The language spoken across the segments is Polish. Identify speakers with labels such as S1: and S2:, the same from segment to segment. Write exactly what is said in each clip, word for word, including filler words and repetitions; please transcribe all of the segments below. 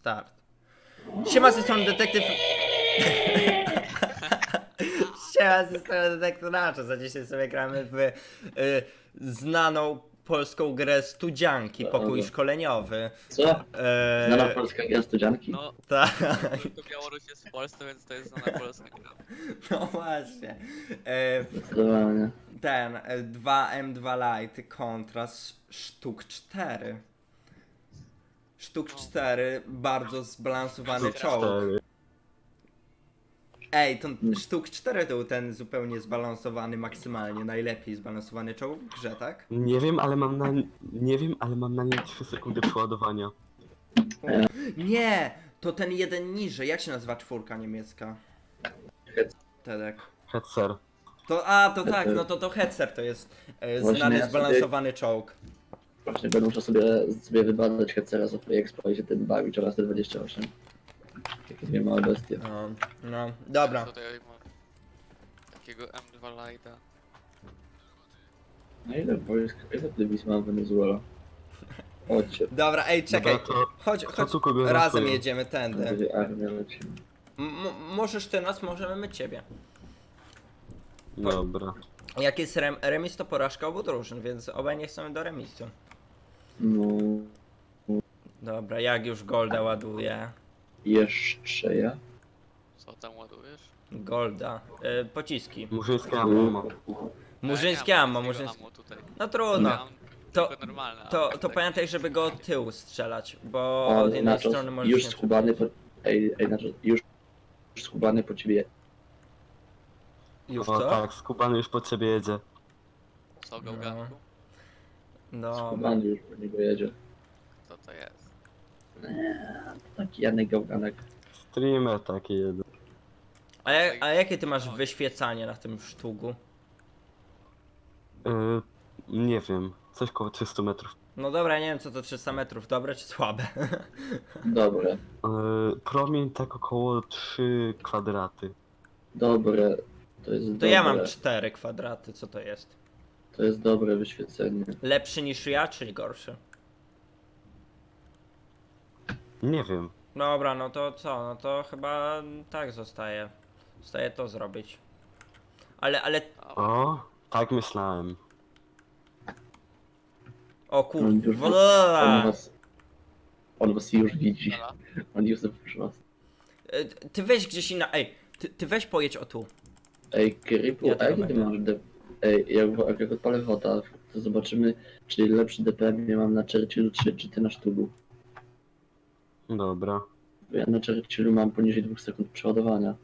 S1: start. Siema, z tej strony detektyw... Siema, z tej strony detektyw Nacho. Za dzisiaj sobie gramy w y, znaną polską grę Studzianki, pokój szkoleniowy.
S2: Co?
S1: E,
S2: Znana polska gra studzianki?
S3: No,
S1: tak,
S3: to Białoruś jest w Polsce, więc to jest znana polska gra.
S1: no właśnie. E,
S2: Zdecydowanie.
S1: ten e, dwa M dwa Lite kontra sztuk cztery. Sztuk cztery, bardzo zbalansowany czołg. Ej, to sztuk cztery to był ten zupełnie zbalansowany maksymalnie, najlepiej zbalansowany czołg w grze, tak?
S4: Nie wiem, ale mam na nie wiem, ale mam na nim trzy sekundy przeładowania.
S1: Nie, to ten jeden niżej, jak się nazywa czwórka niemiecka? Tedek.
S4: Hetzer.
S1: To, a, to tak, no to to Hetzer to jest e,
S2: Właśnie
S1: znany
S2: ja sobie-
S1: zbalansowany czołg.
S2: Właśnie będę musiał sobie, sobie wybadać Hetzera z Expo i się tym bawić oraz te dwadzieścia osiem. Takie dwie małe bestie.
S1: No, no, dobra.
S3: Tutaj mam takiego M dwa Lite'a.
S2: Na ile wojsk, ile dywizji mam w Wenezuela? Chodźcie,
S1: Dobra, ej, czekaj.
S4: Dobra, to
S1: Chodź,
S4: kto
S1: chodź,
S4: tu kogo
S1: razem
S4: ratuje?
S1: jedziemy
S2: to
S1: tędy.
S2: będzie armia leci.
S1: M możesz ty nas, możemy my ciebie.
S4: Dobra.
S1: Jak jest rem remis, to porażka obu drużyn, więc obaj nie chcemy do remisu.
S2: No,
S1: Dobra, jak już Golda ładuję.
S2: jeszcze ja.
S3: Co tam ładujesz?
S1: Golda. Y, pociski.
S4: Murzyńskie ammo.
S1: Murzyńskie ammo,
S3: murzyńskie
S1: murzyńskie.
S3: ammo tutaj.
S1: No trudno.
S3: Ja mam
S1: To-
S3: tylko normalne ammo,
S1: To, to
S3: tak.
S1: pamiętaj, żeby go od tyłu strzelać, bo
S2: O,
S1: od jednej
S2: Nachos,
S1: strony możesz
S2: już
S1: nie...
S2: schubany po... Ej, ej, Nachos, już, już schubany po ciebie.
S1: Już
S4: O
S1: co?
S4: tak, skubany już po ciebie jedzie.
S3: Co,
S1: No.
S3: gałganku?
S1: No.
S2: Schubany już po niego jedzie.
S3: Co to jest?
S2: Taki Janek Gałganek.
S4: Streamer taki jeden.
S1: A, ja, a jakie ty masz wyświecanie na tym sztugu?
S4: Yy, nie wiem, coś koło trzysta metrów.
S1: No dobra, nie wiem co to trzysta metrów, dobre czy słabe?
S2: Dobre,
S4: Yy, promień tak około trzy kwadraty.
S2: dobre. To jest
S1: To
S2: dobre.
S1: ja mam cztery kwadraty, co to jest?
S2: To jest dobre wyświecenie.
S1: Lepszy niż ja, czy gorszy?
S4: Nie wiem.
S1: Dobra, no to co? No to chyba tak zostaje. Zostaje to zrobić. Ale, ale...
S4: O, tak myślałem.
S1: O
S2: On już, on
S1: kurwa.
S2: was, on was już widzi.
S3: Ala?
S2: On już już was.
S1: E, Ty weź gdzieś inna... Ej, ty, ty weź pojedź o tu.
S2: Ej, Krypu,
S1: Ja
S2: a
S1: tego
S2: jaki ty
S1: będę.
S2: masz de... Ej, jak, jak, jak odpalę wota, to zobaczymy, czy lepszy D P M ja mam na Churchillu, czy, czy ty na sztugu.
S4: Dobra.
S2: Bo ja na Churchillu mam poniżej dwóch sekund przeładowania.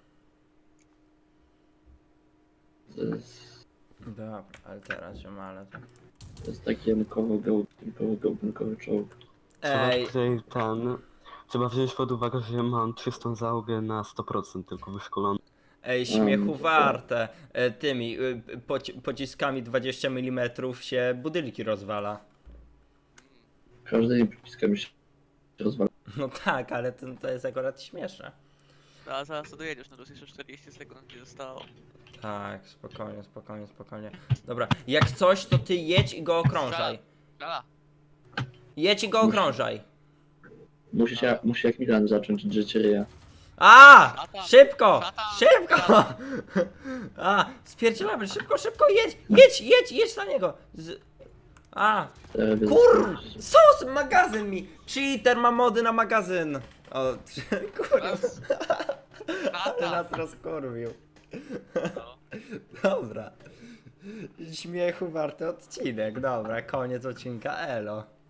S2: To jest,
S1: Dobra, ale teraz ją, ale...
S2: to jest taki jankowo-gałgankowy gałgankowy czołg.
S4: Trzeba
S1: Ej,
S4: tutaj ten... Trzeba wziąć pod uwagę, że mam czystą załogę na sto procent tylko wyszkolony.
S1: ej, śmiechu
S2: Mm,
S1: warte. E, Tymi y, poci pociskami dwadzieścia milimetrów się budynki rozwala.
S2: Każdymi przyciskami się rozwala.
S1: No tak, ale to, to jest akurat śmieszne.
S3: No, a zaraz to dojedziesz, no to jest jeszcze czterdzieści sekund mi zostało.
S1: Tak, spokojnie, spokojnie, spokojnie. Dobra, jak coś, to ty jedź i go okrążaj.
S3: Ala,
S1: Jedź i go okrążaj.
S2: Musi się, musi jak Milan zacząć drzeć ryja.
S1: A!
S3: Szatan!
S1: Szybko!
S3: Szatan!
S1: Szybko! A! Spierdzielamy, szybko, szybko, jedź! Jedź, jedź, jedź na niego! Z... A!
S2: E, bez-
S1: Kur... Sos! Magazyn mi! Cheater ma mody na magazyn! O, kurwa.
S3: raz.
S1: Ale
S3: Szatan!
S1: nas rozkurwił.
S3: No.
S1: Dobra. Śmiechu warty odcinek. Dobra, koniec odcinka. Elo.